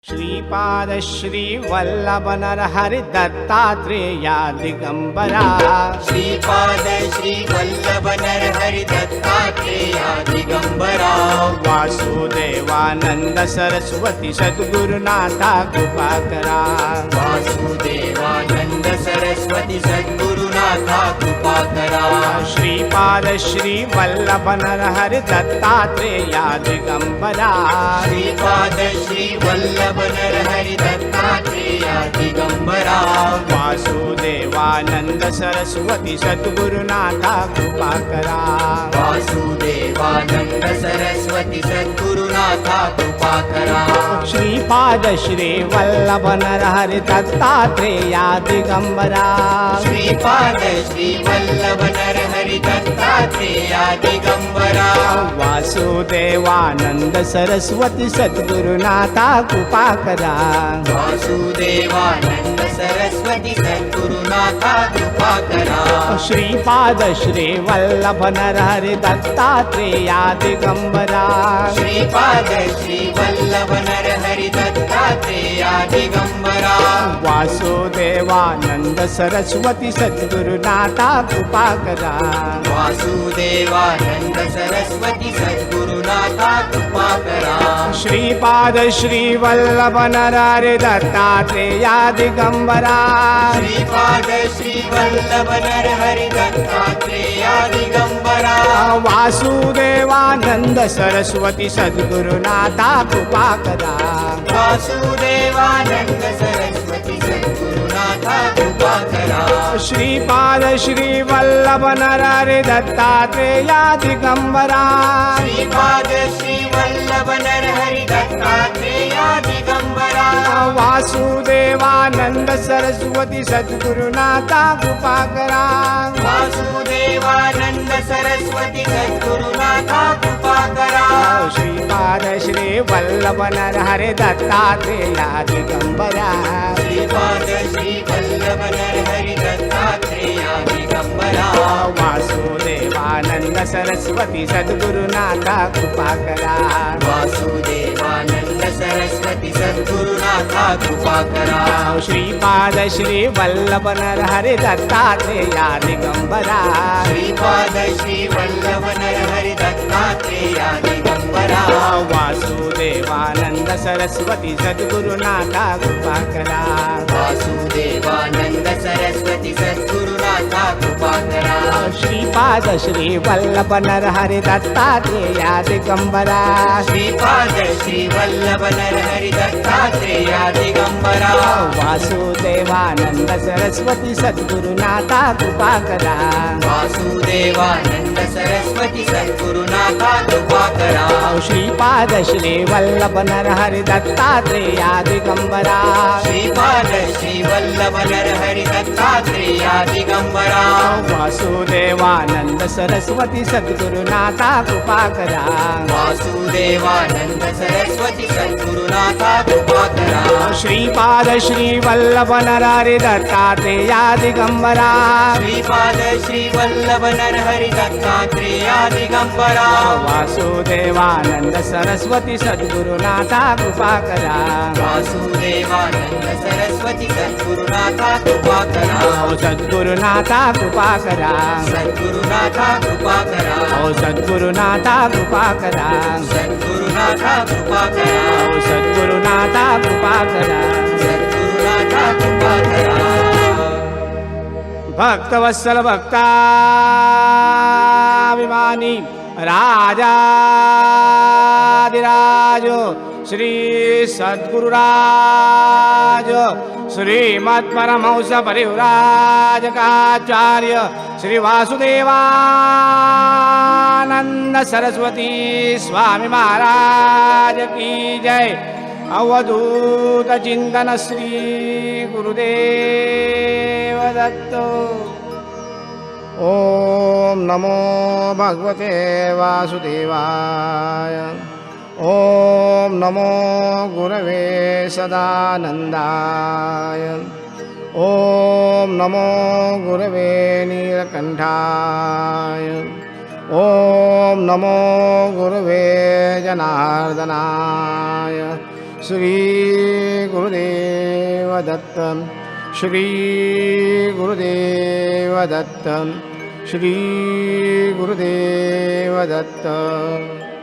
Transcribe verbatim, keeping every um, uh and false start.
श्रीपाद श्री वल्लभ नरहरि दत्तात्रेया दिगंबरा। श्रीपाद श्री वल्लभ नरहरि दत्तात्रेया दिगंबरा। वासुदेवानंद सरस्वती सद्गुरुनाथा कृपाकरा। वासुदेवानंद सरस्वती सद्गुरुनाथा कृपाकरा। श्रीपाद श्री वल्लभ नरहरि दत्तात्रेया दिगंबरा। श्रीपाद श्री वल्लभ नरहरि दत्तात्रेया दिगंबरा। वासुदेवानंद सरस्वती सद्गुरुनाथा कृपाकरा। वासुदेवानंद सरस्वती सद्गुरुनाथा कृपाकरा। श्रीपाद श्री वल्लभ नरहरि दत्तात्रेया दिगंबरा। श्रीपाद श्री वल्लभ नरहरि दत्तात्रेया दिगंबरा। वासुदेवानंद सरस्वती सद्गुरुनाथा कृपाकरा। वासुदेवानंद सरस्वती सद्गुरुनाथा कृपाकरा। श्रीपाद श्री वल्लभ नरहरि दत्तात्रेया दिगंबरा। श्रीपाद श्री वल्लभ नरहरि दत्तात्रेया दिगंबरा। वासुदेवानंद सरस्वती सद्गुरुनाथा कृपाकरा। वासुदेवानंद सरस्वती सद्गुरुनाथा कृपाकरा। श्रीपाद श्री वल्लभ नरहरि दत्तात्रेया दिगंबरा। श्रीपाद श्री वल्लभ नरहरि दत्तात्रेया दिगंबरा। वासुदेवानंद सरस्वती सद्गुरुनाथा कृपाकरा। वासुदेवानंद सरस्वती सद्गुरुनाथा कृपाकरा। श्रीपाद श्री वल्लभ नरहरि दत्तात्रेया दिगंबरा। श्रीपाद श्री वल्लभ नरहरि दत्तात्रेया दिगंबरा। वासुदेवानंद सरस्वती सद्गुरुनाथा कृपाकरा। वासुदेवानंद सरस्वती सद्गुरुनाथा कृपाकरा। श्रीपाद श्री वल्लभ नरहरि दत्तात्रेया दिगंबरा। श्रीपाद श्री वल्लभ नरहरि दत्तात्रेया दिगंबरा। वासुदेवानंद सरस्वती सद्गुरुनाथा कृपाकरा। वासुदेवानंद सरस्वती सद्गुरुनाथा कृपाकरा। श्रीपाद श्री वल्लभ नरहरि दत्तात्रेया दिगंबरा। श्रीपाद श्री वल्लभ नरहरि दत्तात्रेया दिगंबरा। वासुदेवानंद सरस्वती सद्गुरुनाथा कृपाकरा। वासुदेवानंद सरस्वती सद्गुरुनाथा कृपाकरा। श्रीपाद श्री वल्लभ नरहरि दत्तात्रेया दिगंबरा। श्रीपाद श्री वल्लभ नरहरि दत्तात्रेया दिगंबरा। वासुदेवानंद सरस्वती सद्गुरुनाथा कृपाकरा। वासुदेवानंद सरस्वती सद्गुरुनाथा कृपाकरा। श्रीपाद श्री वल्लभ नरहरि दत्तात्रेया दिगंबरा। श्रीपाद श्री वल्लभ नरहरि दत्तात्रेया दिगंबरा। वासुदेवानंद सरस्वती सद्गुरुनाथा कृपाकरा। वासुदेवानंद सरस्वती सद्गुरुनाथा कृपाकरा। श्रीपाद श्री वल्लभ नरहरि दत्तात्रेया दिगंबरा। श्रीपाद श्री वल्लभ नरहरि दत्तात्रेया दिगंबरा। वासुदेवानंद सरस्वती सद्गुरुनाथा कृपाकरा। वासुदेवानंद सरस्वती सद्गुरुनाथा कृपाकरा। सद्गुरुनाथा कृपाकरा। सद्गुरुनाथा कृपाकरा। सद्गुरुनाथा कृपाकरा। सद्गुरुनाथा कृपाकरा। सद्गुरुनाथा कृपाकरा। सद्गुरुनाथा कृपाकरा। भक्तवत्सल भक्ताभिमानी राजाधिराज श्री सद्गुरुराज श्रीमत्परमहंस परिव्राजकाचार्य श्री वासुदेवानंद सरस्वती स्वामी महाराज की जय। अवधूत चिंतन श्री गुरुदेव दत्त। ओम नमो भगवते वासुदेवाय। ओम नमो गुरवे सदानंदाय। ओम नमो गुरवे नीलकंठाय। ओम नमो गुरवे जनार्दनाय। श्री गुरुदेव दत्त श्री गुरुदेव दत्त श्री गुरुदेव दत्त।